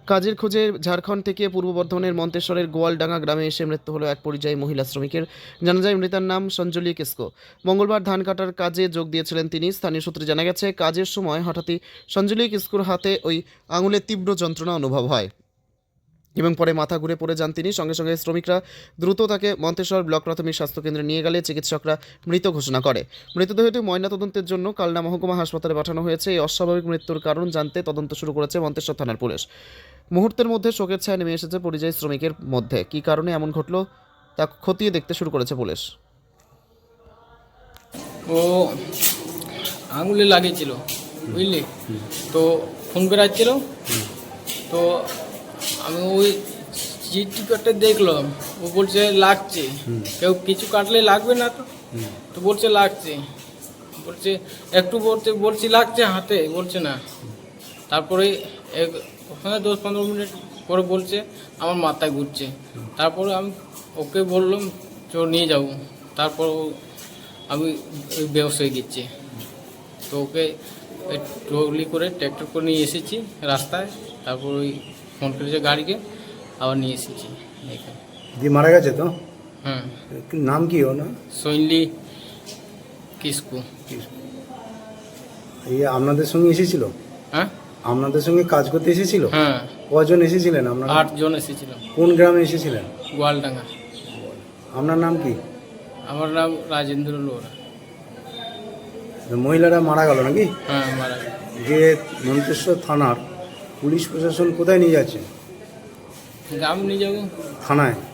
কাজের খোঁজে ঝাড়খণ্ড থেকে পূর্ব বর্ধমানের মন্তেশ্বরের গোয়ালডাঙ্গা গ্রামে এসে মৃত্যু হলো এক পরিযায়ী মহিলা শ্রমিকের। জানা যায় মৃতার নাম সঞ্জলি কিসকো। মঙ্গলবার ধান কাটার কাজে যোগ দিয়েছিলেন তিনি। স্থানীয় সূত্রে জানা গেছে, কাজের সময় হঠাৎই সঞ্জলি কিসকোর হাতে ওই আঙুলের তীব্র যন্ত্রণা অনুভব হয় এবং পরে মাথা ঘুরে পড়ে যান তিনি। সঙ্গে সঙ্গে শ্রমিকরা দ্রুত তাকে মন্তেশ্বর ব্লক প্রাথমিক স্বাস্থ্যকেন্দ্রে নিয়ে গেলে চিকিৎসকরা মৃত ঘোষণা করে। মৃতদেহটি ময়নাতদন্তের জন্য কালনা মহকুমা হাসপাতালে পাঠানো হয়েছে। এই অস্বাভাবিক মৃত্যুর কারণ জানতে তদন্ত শুরু করেছে মন্তেশ্বর থানার পুলিশ। মুহূর্তের মধ্যে শোকের ছায়া নেমে এসেছে পরিযায়ী শ্রমিকের মধ্যে। কী কারণে এমন ঘটল তা খতিয়ে দেখতে শুরু করেছে পুলিশ। ও আঙুলে লাগিয়েছিল, বুঝলি? তো ফোন বেড়াচ্ছিল, তো আমি ওই চিঠি কাটতে দেখলাম, ও বলছে লাগছে। কেউ কিছু কাটলে লাগবে না তো, তো বলছে লাগছে, বলছে একটু বলছি লাগছে হাতে, বলছে না। তারপরে ওখানে 10-15 মিনিট পরে বলছে আমার মাথায় ঘুরছে। তারপরে আমি ওকে বললাম চ নিয়ে যাবো। তারপর আমি ওই বেহোশ হয়ে গেছি। তো ওকে ট্রলি করে ট্র্যাক্টর করে নিয়ে এসেছি রাস্তায়। তারপর ওই ফোন করেছে গাড়িকে, আবার নিয়ে এসেছি এখানে। দিয়ে মারা গেছে তো? হ্যাঁ। নাম কি ও না? সঞ্জলি কিসকো। এই আপনাদের সঙ্গে এসেছিল? হ্যাঁ, আপনাদের সঙ্গে কাজ করতে এসেছিল? হ্যাঁ, কজন এসেছিলেন আপনারা? 8 জন এসেছিলাম। কোন গ্রামে এসেছিলেন? গোয়ালডাঙ্গা। আপনার নাম কি? আমার নাম রাজেন্দ্র লোরা। মহিলারা মারা গেল নাকি? হ্যাঁ, মারা গেছে। যে মন্তেশ্বর থানার পুলিশ প্রশাসন কোথায় নিয়ে যাচ্ছে? গ্রাম নিয়ে যাবো। থানায়?